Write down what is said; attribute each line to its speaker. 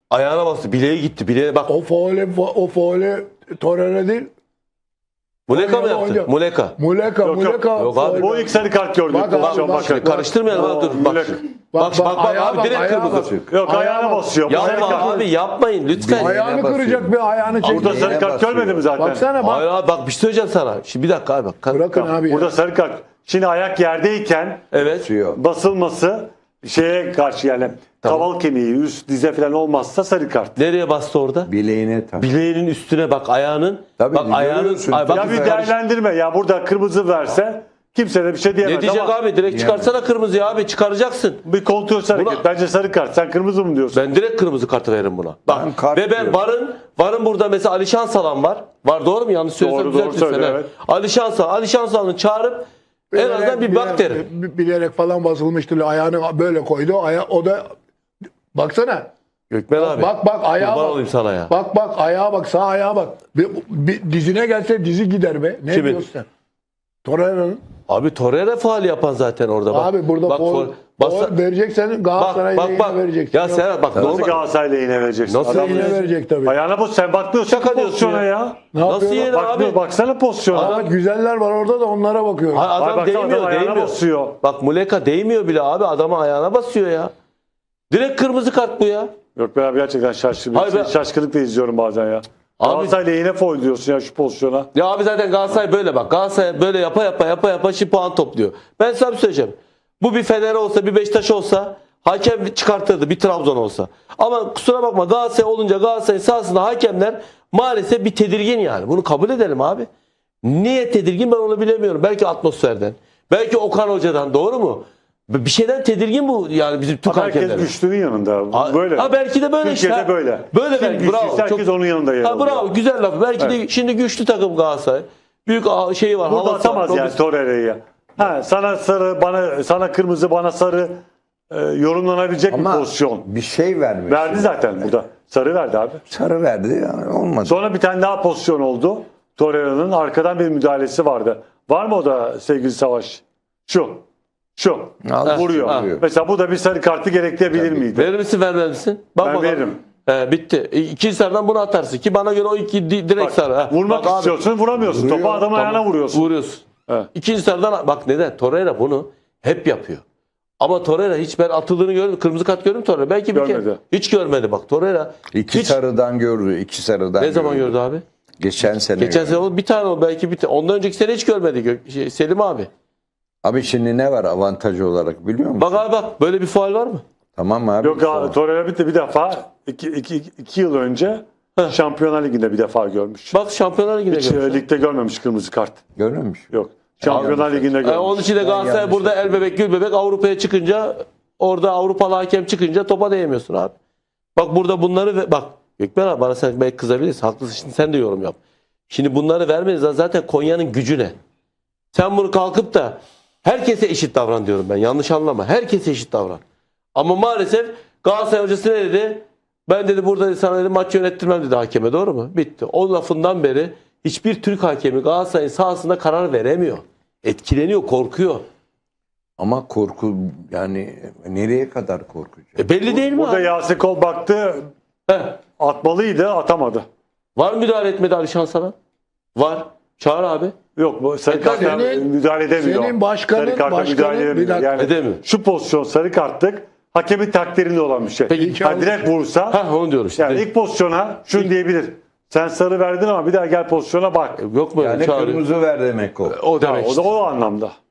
Speaker 1: Ayağına bastı. Bileğe gitti. Bileğe bak.
Speaker 2: O faule Torreira değil.
Speaker 1: Muleka mı yaptı?
Speaker 2: Oynuyor.
Speaker 1: Muleka.
Speaker 2: Muleka.
Speaker 1: Yok abi,
Speaker 3: Bu ilk sarı kart gördü.
Speaker 2: Bak abi,
Speaker 3: pozisyon,
Speaker 2: bak.
Speaker 3: bakın.
Speaker 1: Karıştırmayalım abi, dur. Bak.
Speaker 3: Muleka.
Speaker 1: Bak
Speaker 2: ayağa
Speaker 1: abi, direkt
Speaker 2: ayağa
Speaker 1: kırmızı.
Speaker 3: Yok ayağına basıyor. Bu sarı
Speaker 1: Yapma
Speaker 3: kart.
Speaker 1: abi, yapmayın lütfen.
Speaker 2: Ayağını kıracak bir ayağını çekiyor.
Speaker 3: Burada sarı kart görmedi mi zaten?
Speaker 2: Baksana bak.
Speaker 1: Hayır abi, bak bir şey söyleyeceğim sana. Şimdi bir dakika abi bak.
Speaker 2: Bırakın abi.
Speaker 3: Burada
Speaker 2: Ya.
Speaker 3: sarı kart. Şimdi ayak yerdeyken
Speaker 1: Evet.
Speaker 3: basılması şeye karşı yani kaval kemiği, üst dize falan olmazsa sarı kart.
Speaker 1: Nereye bastı orada?
Speaker 4: Bileğine tak.
Speaker 1: Bileğinin üstüne bak, ayağının.
Speaker 4: Tabii,
Speaker 1: bak ayağının.
Speaker 4: görüyorsun.
Speaker 1: Ay, bak,
Speaker 3: Ya bir değerlendirme ya burada kırmızı verse kimse de bir şey diyemez
Speaker 1: ne diyecek
Speaker 3: ama
Speaker 1: abi? Direkt çıkarsana kırmızıyı abi, çıkaracaksın.
Speaker 3: bir kontrol hareket.
Speaker 1: Buna-
Speaker 3: Bence sarı kart. Sen kırmızı mı diyorsun?
Speaker 1: Ben direkt kırmızı kartı veririm buna. Bak
Speaker 4: Ben kart
Speaker 1: ve ben
Speaker 4: diyorum.
Speaker 1: varın burada mesela Ali Şansalan var. Var, doğru mu? Yanlış söylüyorsam
Speaker 3: Doğru
Speaker 1: düzeltin
Speaker 3: söylüyor,
Speaker 1: sen.
Speaker 3: evet.
Speaker 1: Ali Şansalan'ı çağırıp en azından bir bak derim.
Speaker 2: Bilerek falan basılmıştır. Ayağını böyle koydu. O da baksana.
Speaker 1: Gökmen abi.
Speaker 2: Bak ayağa
Speaker 1: kurban
Speaker 2: bak.
Speaker 1: olayım sana ya.
Speaker 2: Bak ayağa bak, sağ ayağa bak. Bir dizine gelse dizi gider be. Ne
Speaker 1: Kimin?
Speaker 2: diyorsun sen? Torreira'nın.
Speaker 1: Abi Torreira faali yapan zaten orada. Bak,
Speaker 2: Abi burada
Speaker 1: bak,
Speaker 2: faul vereceksen Galatasaray'a yine vereceksin.
Speaker 1: Ya Serhat bak,
Speaker 3: Nasıl
Speaker 1: normal.
Speaker 3: Galatasaray'la yine vereceksin?
Speaker 1: Nasıl
Speaker 3: Adam-
Speaker 2: Yine verecek tabii.
Speaker 3: Ayağına bas. Sen bakmıyorsun
Speaker 1: Şaka
Speaker 3: ki
Speaker 1: diyorsun
Speaker 3: pozisyona
Speaker 1: ya.
Speaker 3: ya.
Speaker 2: Ne
Speaker 1: Nasıl
Speaker 2: yapıyorlar?
Speaker 1: yeni
Speaker 3: Bakmıyor,
Speaker 1: abi?
Speaker 3: baksana pozisyona.
Speaker 2: Ahmet güzeller var orada da onlara bakıyorum.
Speaker 1: Ay, adam
Speaker 3: baksana,
Speaker 1: değmiyor,
Speaker 3: adam ayağına
Speaker 1: değmiyor.
Speaker 3: basıyor.
Speaker 1: Bak Muleka değmiyor bile abi, adama ayağına basıyor ya. Direkt kırmızı kart bu ya.
Speaker 3: Yok ben abi gerçekten
Speaker 1: Hayır, ben-
Speaker 3: şaşkınlıkla izliyorum bazen ya.
Speaker 1: Abi-
Speaker 3: Galatasaray'la yine foul diyorsun ya şu pozisyona.
Speaker 1: Ya abi zaten Galatasaray böyle bak. Galatasaray böyle yapa şimdi puan topluyor. Ben sana bir söyleyeceğim. Bu bir Fener olsa, bir Beşiktaş olsa hakem çıkartırdı, bir Trabzon olsa. Ama kusura bakma, Galatasaray olunca Galatasaray'ın sahasında hakemler maalesef bir tedirgin yani. Bunu kabul edelim abi. Niye tedirgin ben onu bilemiyorum. Belki atmosferden. Belki Okan Hoca'dan, doğru mu? Bir şeyden tedirgin bu yani bizim Türk
Speaker 3: Ama herkes
Speaker 1: hakemleri.
Speaker 3: güçlünün yanında. Böyle.
Speaker 1: Ha belki de böyle
Speaker 3: Türkiye'de
Speaker 1: işte.
Speaker 3: böyle.
Speaker 1: Böyle
Speaker 3: Kim
Speaker 1: belki.
Speaker 3: güçlüyse
Speaker 1: Bravo.
Speaker 3: herkes onun yanında yer
Speaker 1: Ha, bravo.
Speaker 3: alıyor.
Speaker 1: Güzel laf. Belki de şimdi güçlü takım Galatasaray. Büyük şeyi var.
Speaker 3: Burada
Speaker 1: havası
Speaker 3: atamaz
Speaker 1: var.
Speaker 3: yani Torreira'yı. Ha, sana sarı, sana kırmızı, bana sarı yorumlanabilecek bir pozisyon.
Speaker 4: Bir şey vermiş.
Speaker 3: Verdi zaten burada. Sarı verdi abi.
Speaker 4: Sarı verdi yani olmadı.
Speaker 3: Sonra bir tane daha pozisyon oldu. Torreira'nın arkadan bir müdahalesi vardı. Var mı o da sevgili Savaş? Şu.
Speaker 4: Aldı,
Speaker 3: Vuruyor.
Speaker 1: ha.
Speaker 3: Mesela bu da bir sarı kartı gerektirebilir miydi?
Speaker 1: Verir misin, vermez misin? Bak
Speaker 3: Ben
Speaker 1: bakalım.
Speaker 3: veririm.
Speaker 1: Bitti. İkinci sarıdan bunu atarsın ki bana göre o iki direkt
Speaker 3: Bak,
Speaker 1: sarı. Ha.
Speaker 3: vurmak
Speaker 1: Bak abi,
Speaker 3: istiyorsun, vuramıyorsun.
Speaker 4: Vuruyor.
Speaker 3: Topu adamın ayağına vuruyorsun.
Speaker 1: vuruyorsun.
Speaker 3: Evet.
Speaker 1: İkinci sarıdan bak neden? Torreira bunu hep yapıyor. Ama Torreira hiç ben atıldığını görmedim. Kırmızı kart gördüm Torreira. Belki bir kere.
Speaker 3: Görmedi.
Speaker 1: Hiç görmedi bak Torreira.
Speaker 4: İki
Speaker 1: hiç,
Speaker 4: sarıdan gördü. İki sarıdan
Speaker 1: ne zaman gördü abi?
Speaker 4: Geçen sene.
Speaker 1: Geçen
Speaker 4: gördü.
Speaker 1: sene oldu. Bir tane oldu belki bir tane. Ondan önceki sene hiç görmedi Selim abi.
Speaker 4: Abi şimdi ne var avantajı olarak biliyor musun?
Speaker 1: Bak abi bak, böyle bir faul var mı?
Speaker 4: Tamam abi.
Speaker 3: Yok abi Torreira bir defa 2 yıl önce Şampiyonlar Ligi'nde bir defa görmüş.
Speaker 1: Bak Şampiyonlar Ligi'nde
Speaker 3: Hiç
Speaker 1: görmüş.
Speaker 3: ligde görmemiş kırmızı kart.
Speaker 4: Görmemiş.
Speaker 3: Yok. Şampiyonlar Ligi'nde görmüş.
Speaker 1: Onun için de Galatasaray
Speaker 4: yanlış
Speaker 1: burada el bebek gül bebek Avrupa'ya çıkınca, orada Avrupalı hakem çıkınca topa değmiyorsun abi. Bak burada bunları bak Gökmen abi, bana sen belki kızabilirsin. Haklısın, şimdi sen de yorum yap. Şimdi bunları vermeniz zaten Konya'nın gücü ne? Sen bunu kalkıp da herkese eşit davran diyorum ben. Yanlış anlama. Herkese eşit davran. Ama maalesef Galatasaray hocası ne dedi? Ben dedi burada sana dedi, maç yönettirmem dedi hakeme, doğru mu? Bitti. O lafından beri hiçbir Türk hakemi Galatasaray'ın sahasında karar veremiyor. Etkileniyor, korkuyor.
Speaker 4: Ama korku yani nereye kadar korkacak?
Speaker 1: Belli değil mi
Speaker 3: Burada
Speaker 1: abi?
Speaker 3: Yasin Kol baktı
Speaker 1: Heh.
Speaker 3: atmalıydı atamadı.
Speaker 1: Var mı müdahale etmedi Alişan sana? Var. Çağır abi.
Speaker 3: Yok bu sarı kartla
Speaker 2: senin-
Speaker 3: müdahale edemiyor.
Speaker 2: senin başkanın-
Speaker 3: sarı kartla müdahale
Speaker 2: bir
Speaker 3: edemiyor.
Speaker 2: dakika.
Speaker 3: Yani
Speaker 1: Edemiyor.
Speaker 3: şu pozisyon sarı kartlık hakemin takdirinde olan bir şey.
Speaker 1: Peki.
Speaker 3: Ha, direkt vursa
Speaker 1: Ha onu diyorum işte.
Speaker 3: yani ilk pozisyona şunu diyebilir. Sen sarı verdin ama bir daha gel pozisyona bak.
Speaker 1: Yok mu?
Speaker 4: Yani
Speaker 1: Çağırıyor.
Speaker 4: kırmızı ver demek o.
Speaker 1: O
Speaker 3: Ya,
Speaker 1: demek
Speaker 3: o
Speaker 1: işte.
Speaker 3: da o anlamda.